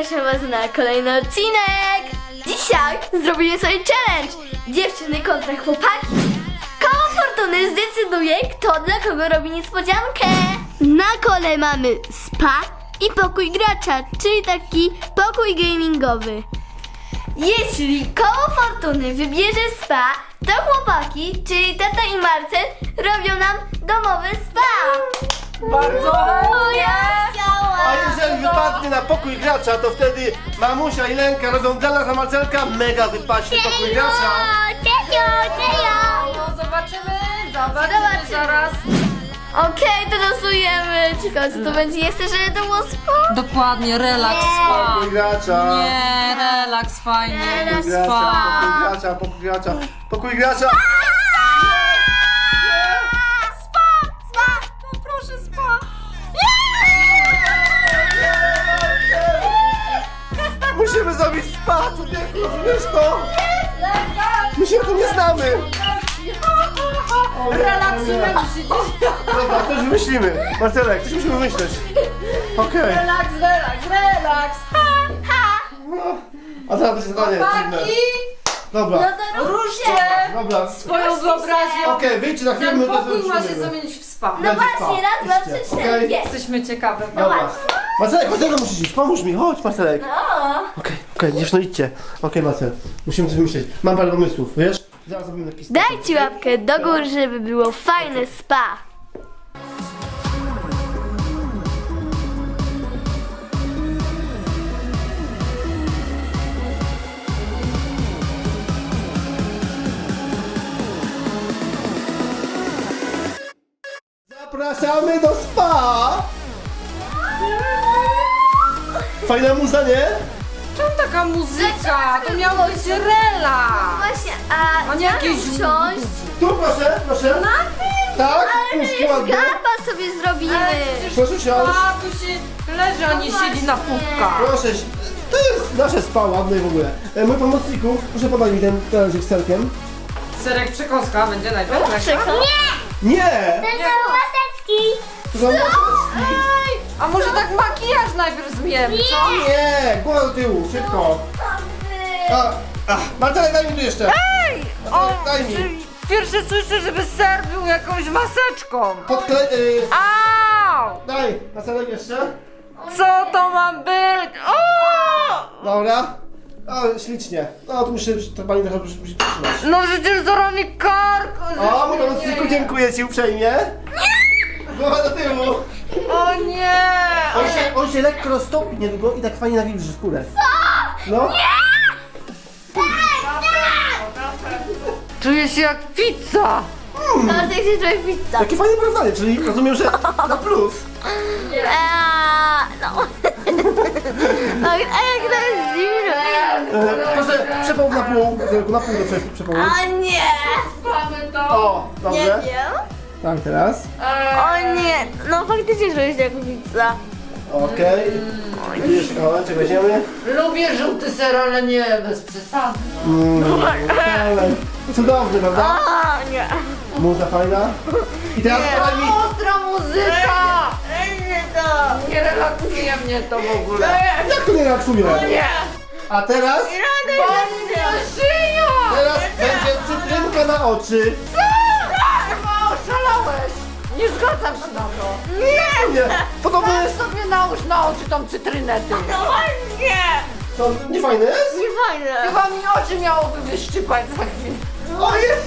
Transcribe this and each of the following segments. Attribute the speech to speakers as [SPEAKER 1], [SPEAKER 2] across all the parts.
[SPEAKER 1] zapraszam was na kolejny odcinek. Dzisiaj zrobimy sobie challenge. Dziewczyny kontra chłopaki. Koło fortuny zdecyduje, kto dla kogo robi niespodziankę. Na kole mamy spa i pokój gracza, czyli taki pokój gamingowy. Jeśli koło fortuny wybierze spa, to chłopaki, czyli tata i Marcel, robią nam domowe spa.
[SPEAKER 2] Bardzo chętnie!
[SPEAKER 3] A jeżeli wypadnie na pokój gracza, to wtedy mamusia i Lenka robią dla nas, a Marcelka mega wypaśnie pokój gracza.
[SPEAKER 2] No zobaczymy zaraz.
[SPEAKER 1] Okej, to losujemy. Ciekawe co to będzie. Ja chcę, żeby to było spa.
[SPEAKER 2] Dokładnie, relaks, spa.
[SPEAKER 3] Pokój gracza.
[SPEAKER 2] Nie, relaks, fajnie,
[SPEAKER 3] Pokój gracza,
[SPEAKER 2] spa.
[SPEAKER 3] pokój gracza, pokój gracza, pokój gracza.
[SPEAKER 2] No proszę, spa.
[SPEAKER 3] Musimy zrobić spa, człowieku, rozumiesz to? My się tu nie znamy.
[SPEAKER 2] Relaksujemy się.
[SPEAKER 3] Dobra, coś wymyślimy. Marcelek, coś musimy wymyśleć. Okej.
[SPEAKER 2] Relaks.
[SPEAKER 3] A teraz będzie zadanie trudne.
[SPEAKER 2] Chłopaki,
[SPEAKER 3] Dobra,
[SPEAKER 2] ruszcie
[SPEAKER 3] dobra.
[SPEAKER 2] swoją wyobraźnię.
[SPEAKER 3] Okej, wyjdźcie na chwilę, my
[SPEAKER 2] Ten
[SPEAKER 3] to
[SPEAKER 2] pokój ma się
[SPEAKER 3] wymyślimy.
[SPEAKER 2] zamienić w spa.
[SPEAKER 1] No
[SPEAKER 3] Będzie
[SPEAKER 1] właśnie,
[SPEAKER 3] spa.
[SPEAKER 1] raz, dwa,
[SPEAKER 3] Idźcie,
[SPEAKER 1] trzy, cztery,
[SPEAKER 3] okej?
[SPEAKER 1] pięć.
[SPEAKER 2] Jesteśmy ciekawe.
[SPEAKER 3] Dobra. Marcelek, chodź, musisz iść, pomóż mi, chodź Marcelek.
[SPEAKER 1] O,
[SPEAKER 3] Okej, dziewczyno idźcie. Okej, Marcel, musimy coś wymyśleć. Mam parę pomysłów, wiesz? Zaraz zrobimy jakiś...
[SPEAKER 1] dajcie łapkę do góry, żeby było fajne spa.
[SPEAKER 3] Zapraszamy do spa! Fajna muza, nie?
[SPEAKER 2] Czemu taka muzyka? To miał być relaks.
[SPEAKER 1] Właśnie,
[SPEAKER 2] A nie jakieś
[SPEAKER 1] usiąść.
[SPEAKER 3] Tu proszę, proszę.
[SPEAKER 1] Na tym?
[SPEAKER 3] Tak,
[SPEAKER 1] Ale
[SPEAKER 3] puszki
[SPEAKER 1] my
[SPEAKER 3] ładnie.
[SPEAKER 1] skarpa sobie zrobimy.
[SPEAKER 3] Proszę siąść.
[SPEAKER 2] A, tu się leży, a nie siedzi na pupkach.
[SPEAKER 3] Proszę, to jest nasze spa ładne w ogóle. Mój pomocniku, proszę podać mi ten talerzyk z serkiem.
[SPEAKER 2] Serek przekąska będzie najlepsza.
[SPEAKER 3] Nie! To są
[SPEAKER 2] A może tak makijaż najpierw zmiemy, co?
[SPEAKER 3] Nie! Głowa do tyłu, szybko. Marcelek, daj mi tu jeszcze. Marcelek, daj mi.
[SPEAKER 2] Pierwsze słyszę, żeby ser był jakąś maseczką. Au!
[SPEAKER 3] Daj, Marcelek jeszcze.
[SPEAKER 2] Co to ma być? O!
[SPEAKER 3] Dobra. O, ślicznie. No, tu muszę to pani trochę musi przytrzymać.
[SPEAKER 2] No przecież zaraz mi kark!
[SPEAKER 3] O, mój pomocniku, dziękuję ci uprzejmie. Głowa do tyłu.
[SPEAKER 2] O nie!
[SPEAKER 3] On się lekko roztopi niedługo i tak fajnie nawilży skórę. Co? No.
[SPEAKER 2] Czuję się jak pizza!
[SPEAKER 1] Bartek się trochę pizza.
[SPEAKER 3] Takie fajne porównanie, czyli rozumiem, że na plus.
[SPEAKER 1] No. A jak to jest zimno.
[SPEAKER 3] Proszę, przepołów na pół. Na pół do przepołów.
[SPEAKER 1] O nie.
[SPEAKER 2] Mamy to!
[SPEAKER 3] O,
[SPEAKER 1] Nie
[SPEAKER 3] dobrze.
[SPEAKER 1] wiem.
[SPEAKER 3] Tak, teraz.
[SPEAKER 1] O nie. No faktycznie czuję się jak pizza.
[SPEAKER 3] Okej. I jeszcze kawałeczek weźmiemy.
[SPEAKER 2] Lubię żółty ser, ale nie bez przesady.
[SPEAKER 3] Ale cudowny, prawda?
[SPEAKER 1] O nie.
[SPEAKER 3] Muza fajna. I teraz podaj mi...
[SPEAKER 2] Ostra muzyka!
[SPEAKER 1] Nie to.
[SPEAKER 2] Nie relaksuje mnie to w ogóle.
[SPEAKER 3] Jak to nie relaksuje?
[SPEAKER 2] Nie!
[SPEAKER 3] A teraz?
[SPEAKER 2] Szyja!
[SPEAKER 3] Teraz będzie cytrynka na oczy.
[SPEAKER 2] Chyba oszalałeś! Nie zgadzam się na to!
[SPEAKER 3] Nie. Podobno jest...
[SPEAKER 2] Sobie nałóż na oczy tą cytrynę ty!
[SPEAKER 1] Nie.
[SPEAKER 3] To nie fajne jest?
[SPEAKER 1] Nie fajne.
[SPEAKER 2] Chyba mi oczy miałoby wyszczypać za chwilę.
[SPEAKER 3] O jest!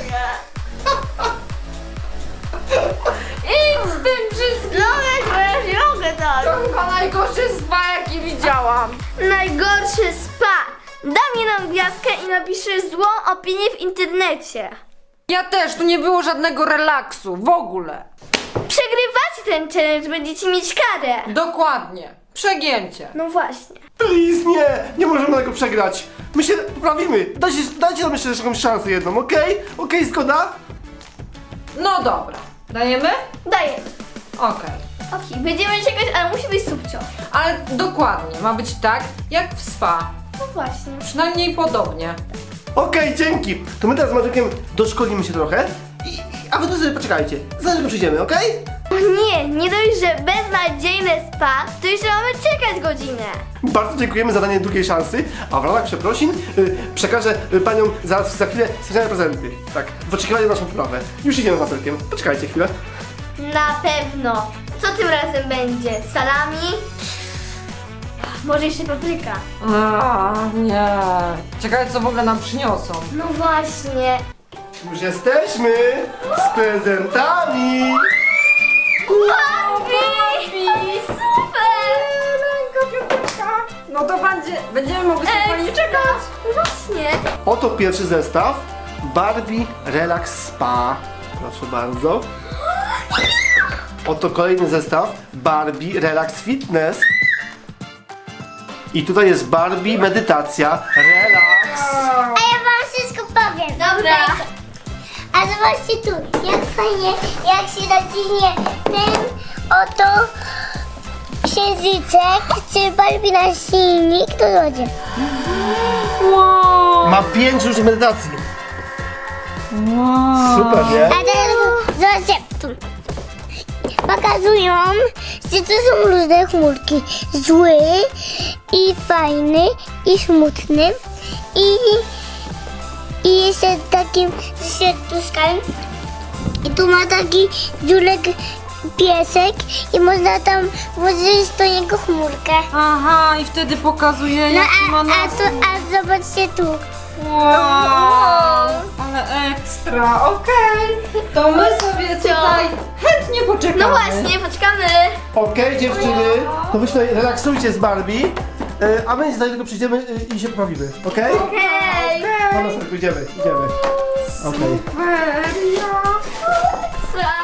[SPEAKER 2] Idź z tym wszystkim!
[SPEAKER 1] Nie mogę tak.
[SPEAKER 2] To chyba najgorszy spa jaki widziałam!
[SPEAKER 1] Najgorszy spa. Daj mi nam gwiazdkę i napiszę złą opinię w internecie.
[SPEAKER 2] Ja też, tu nie było żadnego relaksu, w ogóle!
[SPEAKER 1] Przegrywacie ten challenge, będziecie mieć karę.
[SPEAKER 2] Dokładnie, przegięcie.
[SPEAKER 1] No właśnie.
[SPEAKER 3] Please, nie! Nie możemy tego przegrać. My się poprawimy. Dajcie nam jeszcze jakąś szansę jedną, okej? Okej, zgoda?
[SPEAKER 2] No dobra, dajemy?
[SPEAKER 1] Daję.
[SPEAKER 2] Okej.
[SPEAKER 1] Okej, będziemy czekać, ale musi być subcio.
[SPEAKER 2] Ale dokładnie, ma być tak jak w spa.
[SPEAKER 1] No właśnie.
[SPEAKER 2] Przynajmniej podobnie.
[SPEAKER 3] Okej, dzięki. To my teraz z Marzekiem doszkolimy się trochę. A wy tu sobie poczekajcie. Zaraz go przyjdziemy, okej?
[SPEAKER 1] O nie, nie dość, że beznadziejne spa, to jeszcze mamy czekać godzinę.
[SPEAKER 3] Bardzo dziękujemy za danie drugiej szansy, a w ramach przeprosin przekażę paniom za chwilę specjalne prezenty. Tak, w oczekiwaniu na naszą poprawę. Już idziemy z maselkiem. Poczekajcie chwilę.
[SPEAKER 1] Na pewno. Co tym razem będzie? Salami? Może jeszcze papryka?
[SPEAKER 2] Nie. Czekaj, co w ogóle nam przyniosą.
[SPEAKER 1] No właśnie.
[SPEAKER 3] Już jesteśmy z prezentami.
[SPEAKER 1] Barbie! Super!
[SPEAKER 2] No to będziemy mogli spokojnie czekać.
[SPEAKER 1] Właśnie.
[SPEAKER 3] Oto pierwszy zestaw. Barbie Relax Spa. Proszę bardzo. Oto kolejny zestaw. Barbie Relax Fitness. I tutaj jest Barbie Medytacja Relax.
[SPEAKER 4] A ja wam wszystko powiem.
[SPEAKER 1] Dobra.
[SPEAKER 4] A zobaczcie tu, jak fajnie, jak się naciśnie ten oto księżyczek, czy Barbie na silnik, to będzie.
[SPEAKER 3] Ma 5 różnych medytacji. Super, nie?
[SPEAKER 4] A teraz zobaczcie, tu. Pokazują, że to są różne chmurki. Zły i fajny i smutny i jeszcze takim serduszkiem. I tu ma taki dziurek piesek i można tam włożyć do niego chmurkę.
[SPEAKER 2] Aha, i wtedy pokazuje,
[SPEAKER 4] No
[SPEAKER 2] jaki ma
[SPEAKER 4] a zobaczcie tu.
[SPEAKER 2] Wow, ale ekstra, okej. To my sobie tutaj chętnie poczekamy.
[SPEAKER 1] No właśnie, poczekamy.
[SPEAKER 3] Okej, dziewczyny, to wy się tutaj relaksujcie z Barbie, a my za tylko przyjdziemy i się poprawimy, okej?
[SPEAKER 1] Okej.
[SPEAKER 3] Na następny, idziemy. Okej.
[SPEAKER 1] Ekstra.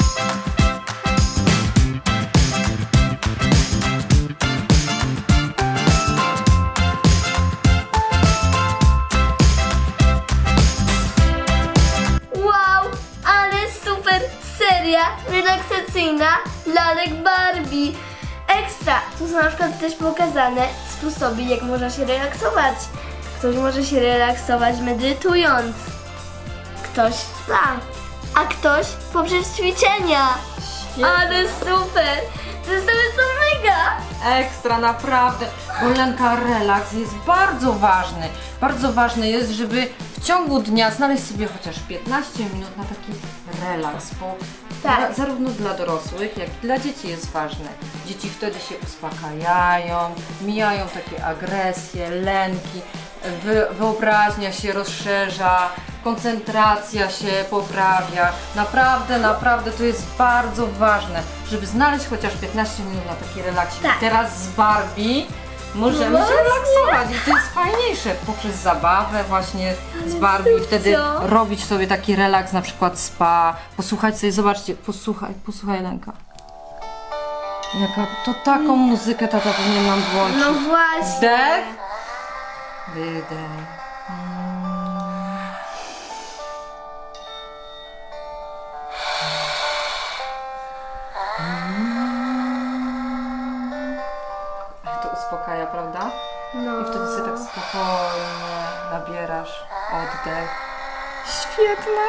[SPEAKER 1] Wow, ale super seria relaksacyjna lalek Barbie. Ekstra! Tu są na przykład też pokazane sposoby, jak można się relaksować. Ktoś może się relaksować medytując. Ktoś spa, a ktoś poprzez ćwiczenia. Ale super! Te zestawy są mega!
[SPEAKER 2] Ekstra, naprawdę. Bolenka, relaks jest bardzo ważny. Bardzo ważne jest, żeby w ciągu dnia znaleźć sobie chociaż 15 minut na taki relaks, bo
[SPEAKER 1] Tak.
[SPEAKER 2] zarówno dla dorosłych, jak i dla dzieci jest ważne. Dzieci wtedy się uspokajają, mijają takie agresje, lęki, wyobraźnia się rozszerza, koncentracja się poprawia. Naprawdę to jest bardzo ważne, żeby znaleźć chociaż 15 minut na taki relaksik.
[SPEAKER 1] Tak.
[SPEAKER 2] Teraz z Barbie możemy się relaksować i to jest fajniejsze poprzez zabawę właśnie z Barbie i wtedy
[SPEAKER 1] co?
[SPEAKER 2] robić sobie taki relaks, na przykład spa, posłuchać sobie, zobaczcie, posłuchaj Lenka. To taką muzykę tata powinien nam włączyć.
[SPEAKER 1] No właśnie.
[SPEAKER 2] Wdech, wydech. To uspokaja, prawda?
[SPEAKER 1] No.
[SPEAKER 2] I wtedy sobie tak spokojnie nabierasz oddech. Świetne!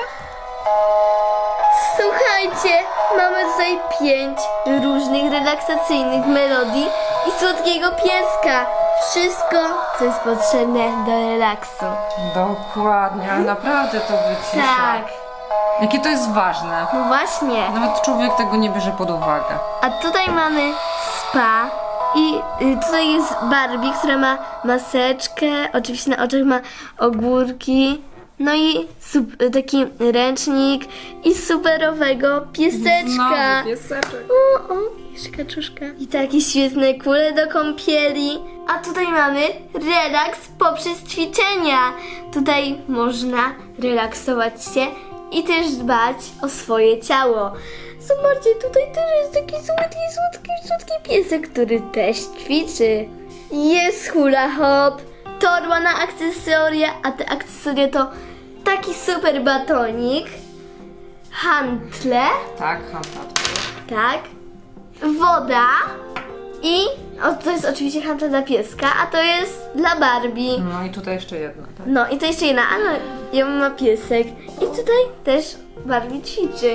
[SPEAKER 1] Słuchajcie, mamy tutaj 5 różnych relaksacyjnych melodii i słodkiego pieska. Wszystko, co jest potrzebne do relaksu.
[SPEAKER 2] Dokładnie, ale naprawdę to wycisza.
[SPEAKER 1] Tak,
[SPEAKER 2] Jakie to jest ważne.
[SPEAKER 1] no właśnie.
[SPEAKER 2] Nawet człowiek tego nie bierze pod uwagę.
[SPEAKER 1] A tutaj mamy spa i tutaj jest Barbie, która ma maseczkę, oczywiście na oczach ma ogórki, no i taki ręcznik i superowego pieseczka.
[SPEAKER 2] pieseczek.
[SPEAKER 1] O, jeszcze kaczuszka. I takie świetne kule do kąpieli. A tutaj mamy relaks poprzez ćwiczenia. Tutaj można relaksować się i też dbać o swoje ciało. Zobaczcie, tutaj też jest taki słodki piesek, który też ćwiczy. Jest hula hop, torba na akcesoria, a te akcesoria to taki super batonik, hantle,
[SPEAKER 2] Tak, handlat.
[SPEAKER 1] tak, woda i to jest oczywiście hantle dla pieska, a to jest dla Barbie.
[SPEAKER 2] No i tutaj jeszcze jedna, tak?
[SPEAKER 1] No i to jeszcze jedna, ale ją ma piesek i tutaj też Barbie ćwiczy.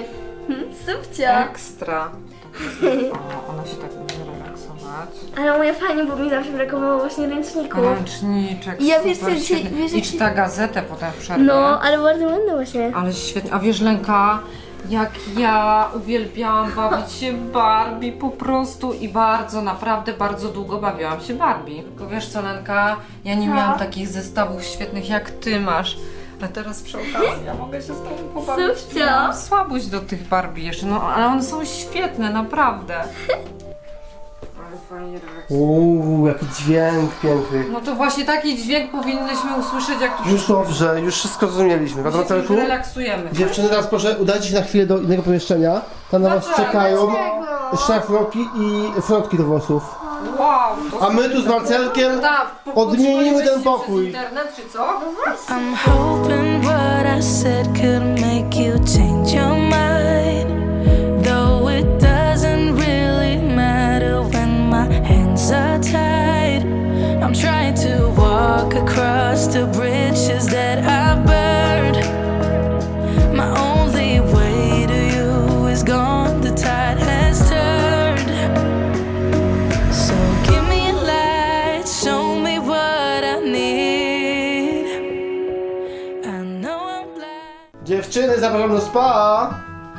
[SPEAKER 1] Subcio.
[SPEAKER 2] Ekstra. O, ona się tak będzie relaksować.
[SPEAKER 1] Ale u mnie fajnie, bo mi zawsze brakowało właśnie ręczników.
[SPEAKER 2] Ręczniczek,
[SPEAKER 1] Ja
[SPEAKER 2] super,
[SPEAKER 1] wiesz co, dzisiaj-
[SPEAKER 2] świetny.
[SPEAKER 1] wiesz,
[SPEAKER 2] I
[SPEAKER 1] jak-
[SPEAKER 2] czyta gazetę potem w przerwie.
[SPEAKER 1] No, ale bardzo ładne właśnie.
[SPEAKER 2] Ale świetnie. A wiesz, Lenka, jak ja uwielbiałam bawić się Barbie po prostu i bardzo, naprawdę bardzo długo bawiłam się Barbie. Tylko wiesz co, Lenka, ja nie miałam takich zestawów świetnych jak ty masz. A teraz przy okazji ja mogę się z tobą pobawić.
[SPEAKER 1] Subcio.
[SPEAKER 2] Miałam słabość do tych Barbie jeszcze, no ale one są świetne, naprawdę. Ale fajnie relaksują.
[SPEAKER 3] Jaki dźwięk piękny.
[SPEAKER 2] No to właśnie taki dźwięk powinnyśmy usłyszeć, jak tu
[SPEAKER 3] Już dobrze, już wszystko zrozumieliśmy. Prawda,
[SPEAKER 2] się
[SPEAKER 3] Marcelku?
[SPEAKER 2] relaksujemy.
[SPEAKER 3] Dziewczyny, teraz proszę udajcie się na chwilę do innego pomieszczenia. Tam na was
[SPEAKER 2] Dlaczego?
[SPEAKER 3] czekają szlafroki i frotki do włosów.
[SPEAKER 2] Wow, to
[SPEAKER 3] A my tu z Marcelkiem odmienimy ten pokój.
[SPEAKER 2] Internet czy co?
[SPEAKER 5] I'm hoping what I said could make you change your mind. Though it doesn't really matter when my hands are tied. I'm trying to walk across the bridges that I've burned. My only way to you is gone, the tide has turned. So give me a light, show me what I need. I know I'm blind.
[SPEAKER 3] Dziewczyny, zapraszam do spa.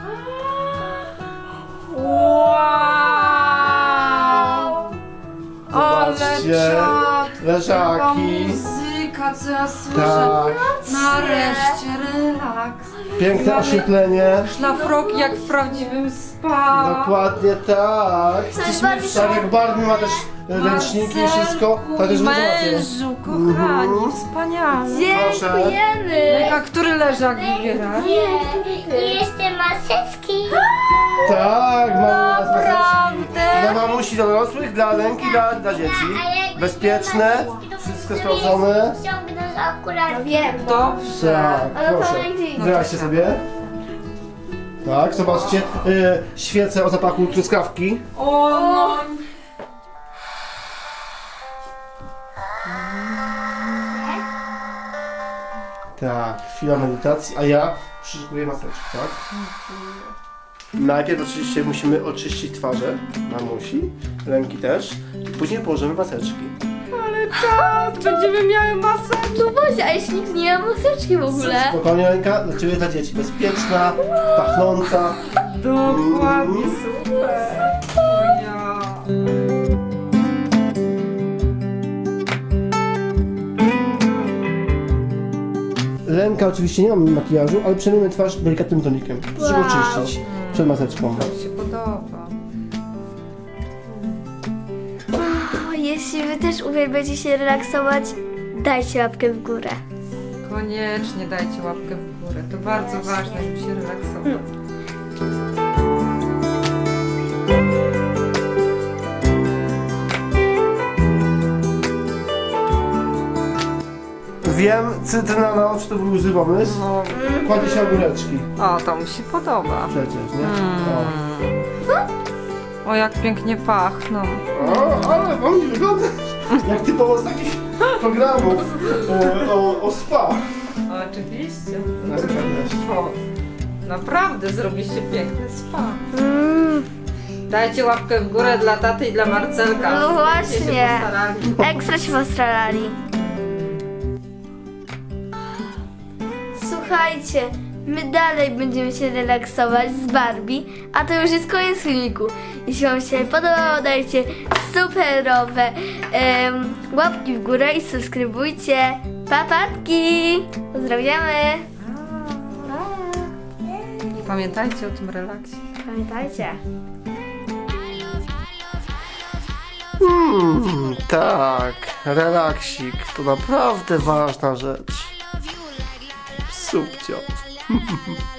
[SPEAKER 2] Wow! Ale
[SPEAKER 3] Zobaczcie,
[SPEAKER 2] czad! Taka
[SPEAKER 3] leżaki.
[SPEAKER 2] muzyka, co ja słyszę.
[SPEAKER 3] Tak,
[SPEAKER 2] Nareszcie relaks.
[SPEAKER 3] piękne oświetlenie.
[SPEAKER 2] Szlafroki jak w prawdziwym spa.
[SPEAKER 3] Dokładnie tak. Tak jak Barbie ma też ręczniki i wszystko, tak też wy macie.
[SPEAKER 2] Mężu, kochani, wspaniale.
[SPEAKER 1] Dziękujemy.
[SPEAKER 2] A który leżak wybiera?
[SPEAKER 4] I jeszcze maseczki.
[SPEAKER 3] Tak, mamy
[SPEAKER 2] Naprawdę?
[SPEAKER 3] dla mamusi, dla dorosłych, dla Lenki, dla dzieci. Bezpieczne, wszystko sprawdzone.
[SPEAKER 4] Ściągnę z akurat.
[SPEAKER 1] Wiem.
[SPEAKER 2] Dobrze.
[SPEAKER 3] Tak,
[SPEAKER 1] Ale to
[SPEAKER 3] proszę.
[SPEAKER 1] będzie inne.
[SPEAKER 3] Wyraźcie sobie. Tak, zobaczcie, świece o zapachu truskawki.
[SPEAKER 2] O, no.
[SPEAKER 3] Tak, chwila medytacji, a ja przyszykuję maseczkę, tak? Najpierw oczywiście musimy oczyścić twarze mamusi, Lenki też, i później położymy maseczki.
[SPEAKER 2] Czad, będziemy miały masę.
[SPEAKER 1] No właśnie, a jeśli nikt nie ma maseczki w ogóle?
[SPEAKER 3] Spokojnie, Lenka, dla Ciebie, dla dzieci, bezpieczna, pachnąca.
[SPEAKER 2] Dokładnie, super. O ja.
[SPEAKER 3] Lenka oczywiście nie ma makijażu, ale przemyjemy twarz delikatnym tonikiem, żeby oczyścić przed maseczką.
[SPEAKER 2] Mi się podoba.
[SPEAKER 1] O, jeśli wy też uwielbiacie się relaksować, dajcie łapkę w górę.
[SPEAKER 2] Koniecznie dajcie łapkę w górę. To bardzo ważne, żeby się relaksować.
[SPEAKER 3] Wiem, cytryna na oczy to był zły pomysł.
[SPEAKER 2] No,
[SPEAKER 3] Kładzie się ogóreczki
[SPEAKER 2] o, to mi się podoba.
[SPEAKER 3] przecież, nie?
[SPEAKER 2] O, jak pięknie pachną.
[SPEAKER 3] O, ale mam nie wyglądasz jak typowo z takich programów o spa.
[SPEAKER 2] Oczywiście.
[SPEAKER 3] No,
[SPEAKER 2] O, naprawdę zrobiliście piękny spa. Dajcie łapkę w górę dla taty i dla Marcelka.
[SPEAKER 1] No
[SPEAKER 2] Się
[SPEAKER 1] właśnie.
[SPEAKER 2] postarali.
[SPEAKER 1] Ekstra się postarali. Słuchajcie, my dalej będziemy się relaksować z Barbie, a to już jest koniec filmiku. Jeśli wam się podobało, dajcie superowe łapki w górę i subskrybujcie. Papatki! Pozdrawiamy!
[SPEAKER 2] Pamiętajcie o tym relaksie.
[SPEAKER 1] Pamiętajcie.
[SPEAKER 3] Tak, relaksik to naprawdę ważna rzecz. Subcio.